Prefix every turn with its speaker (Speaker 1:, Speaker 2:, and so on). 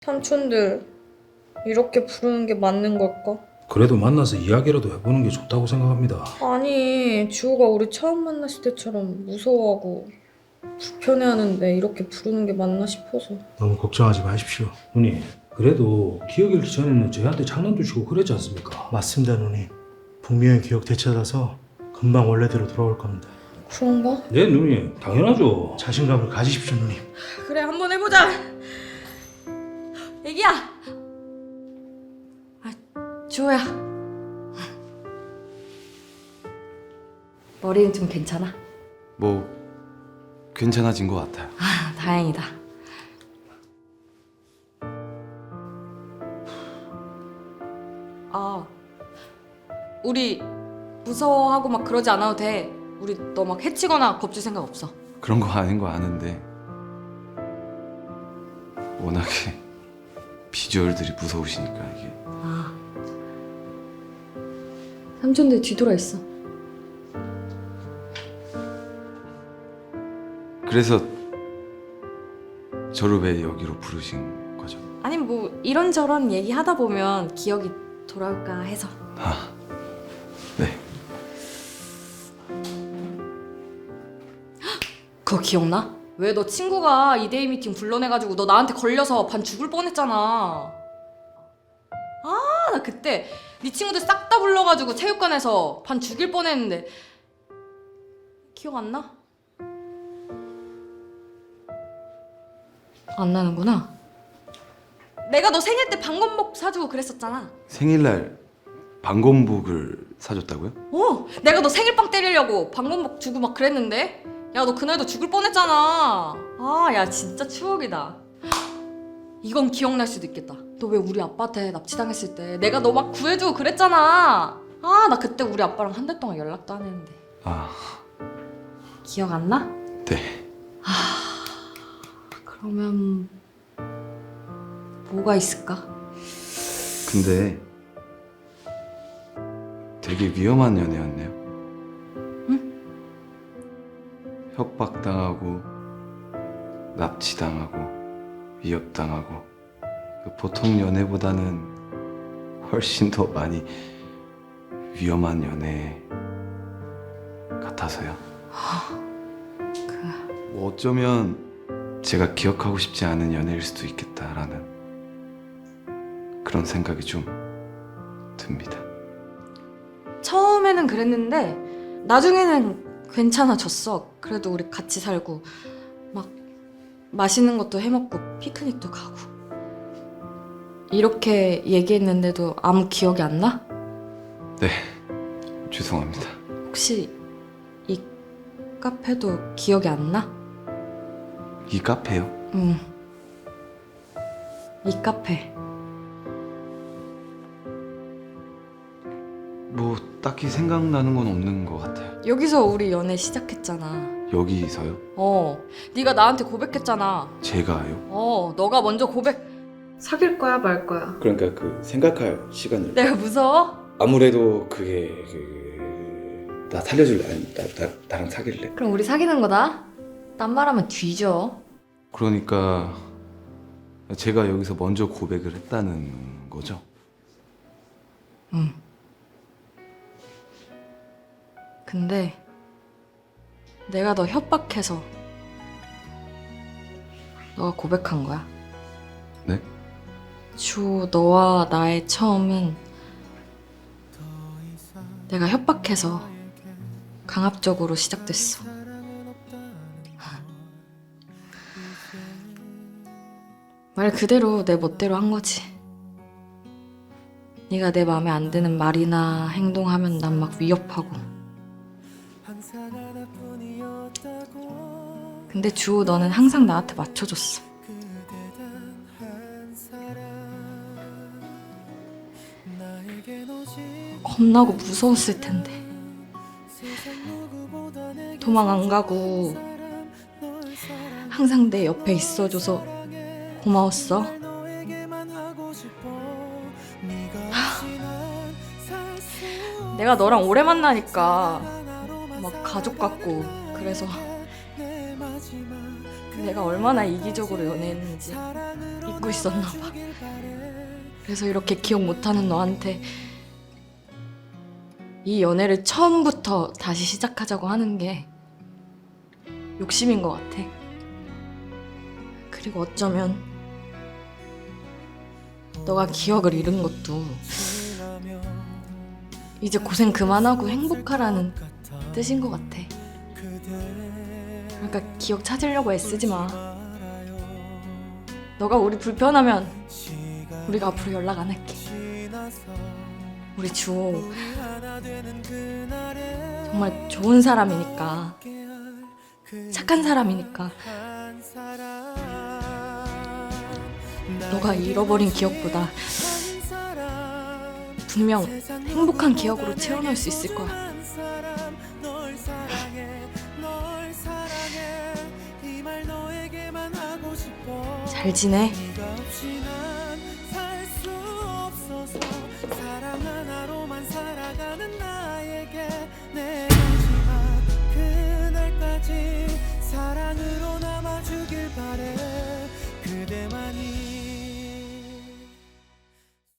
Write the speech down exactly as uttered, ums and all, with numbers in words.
Speaker 1: 삼촌들 이렇게 부르는 게 맞는 걸까?
Speaker 2: 그래도 만나서 이야기라도 해보는 게 좋다고 생각합니다.
Speaker 1: 아니 지호가 우리 처음 만났을 때처럼 무서워하고 불편해하는데 이렇게 부르는 게 맞나 싶어서.
Speaker 2: 너무 걱정하지 마십시오. 누님, 그래도 기억 잃기 전에는 저희한테 장난도 치고 그랬지 않습니까?
Speaker 3: 맞습니다, 누님. 분명히 기억 되찾아서 금방 원래대로 돌아올 겁니다.
Speaker 1: 그런가?
Speaker 2: 네, 누님. 당연하죠.
Speaker 3: 자신감을 가지십시오, 누님.
Speaker 1: 그래 한번 해보자. 애기야. 아 지호야. 머리는 좀 괜찮아?
Speaker 4: 뭐 괜찮아진 것 같아요.
Speaker 1: 아 다행이다. 아 우리 무서워하고 막 그러지 않아도 돼. 우리 너 막 해치거나 겁줄 생각 없어.
Speaker 4: 그런 거 아닌 거 아는데 워낙에 비주얼들이 무서우시니까 이게.
Speaker 1: 아 삼촌들 뒤돌아 있어.
Speaker 4: 그래서 저를 왜 여기로 부르신 거죠?
Speaker 1: 아니 뭐 이런저런 얘기하다 보면 기억이 돌아올까 해서.
Speaker 4: 아, 네.
Speaker 1: 그거 기억나? 왜 너 친구가 이데이 미팅 불러내가지고 너 나한테 걸려서 반 죽을 뻔했잖아. 아, 나 그때 네 친구들 싹 다 불러가지고 체육관에서 반 죽일 뻔했는데 기억 안 나? 안 나는구나. 내가 너 생일 때 방검복 사주고 그랬었잖아.
Speaker 4: 생일날 방검복을 사줬다고요?
Speaker 1: 어, 내가 너 생일빵 때리려고 방검복 주고 막 그랬는데. 야, 너 그날도 죽을 뻔했잖아. 아, 야, 진짜 추억이다. 이건 기억날 수도 있겠다. 너 왜 우리 아빠한테 납치당했을 때 내가 너 막 구해주고 그랬잖아. 아, 나 그때 우리 아빠랑 한 달 동안 연락도 안 했는데.
Speaker 4: 아,
Speaker 1: 기억 안 나?
Speaker 4: 네.
Speaker 1: 그러면 뭐가 있을까?
Speaker 4: 근데 되게 위험한 연애였네요. 협박당하고 납치당하고 위협당하고 그 보통 연애보다는 훨씬 더 많이 위험한 연애 같아서요.
Speaker 1: 그
Speaker 4: 뭐 어쩌면 제가 기억하고 싶지 않은 연애일 수도 있겠다라는 그런 생각이 좀 듭니다.
Speaker 1: 처음에는 그랬는데 나중에는 괜찮아졌어. 그래도 우리 같이 살고 막 맛있는 것도 해먹고 피크닉도 가고. 이렇게 얘기했는데도 아무 기억이 안 나?
Speaker 4: 네, 죄송합니다.
Speaker 1: 혹시 이 카페도 기억이 안 나?
Speaker 4: 이 카페요?
Speaker 1: 응. 이 카페.
Speaker 4: 뭐 딱히 생각나는 건 없는 것 같아요.
Speaker 1: 여기서 우리 연애 시작했잖아.
Speaker 4: 여기서요?
Speaker 1: 어. 네가 나한테 고백했잖아.
Speaker 4: 제가요?
Speaker 1: 어. 너가 먼저 고백. 사귈 거야 말 거야?
Speaker 5: 그러니까 그 생각할 시간을
Speaker 1: 내가 무서워?
Speaker 5: 아무래도 그게 그... 나 살려줄래? 아니 나, 나, 나랑 사귈래?
Speaker 1: 그럼 우리 사귀는 거다? 딴 말하면 뒤져.
Speaker 4: 그러니까 제가 여기서 먼저 고백을 했다는 거죠?
Speaker 1: 응. 근데 내가 너 협박해서 너가 고백한 거야.
Speaker 4: 네?
Speaker 1: 주 너와 나의 처음은 내가 협박해서 강압적으로 시작됐어. 말 그대로 내 멋대로 한 거지. 네가 내 마음에 안 드는 말이나 행동하면 난 막 위협하고. 근데 주호 너는 항상 나한테 맞춰줬어. 겁나고 무서웠을 텐데. 도망 안 가고 항상 내 옆에 있어줘서 고마웠어. 하, 내가 너랑 오래 만나니까 막 가족 같고 그래서 내가 얼마나 이기적으로 연애했는지 잊고 있었나 봐. 그래서 이렇게 기억 못하는 너한테 이 연애를 처음부터 다시 시작하자고 하는 게 욕심인 것 같아. 그리고 어쩌면 너가 기억을 잃은 것도 이제 고생 그만하고 행복하라는 뜻인 것 같아. 그러니까 기억 찾으려고 애쓰지 마. 너가 우리 불편하면 우리가 앞으로 연락 안 할게. 우리 주호 정말 좋은 사람이니까, 착한 사람이니까 너가 잃어버린 기억보다 분명 행복한 기억으로 채워넣을 수 있을 거야. 잘 지내?
Speaker 6: 사랑 하나로만 살아가는 나에게 내 마지막 그날까지 사랑으로 남아주길 바래. 그대만이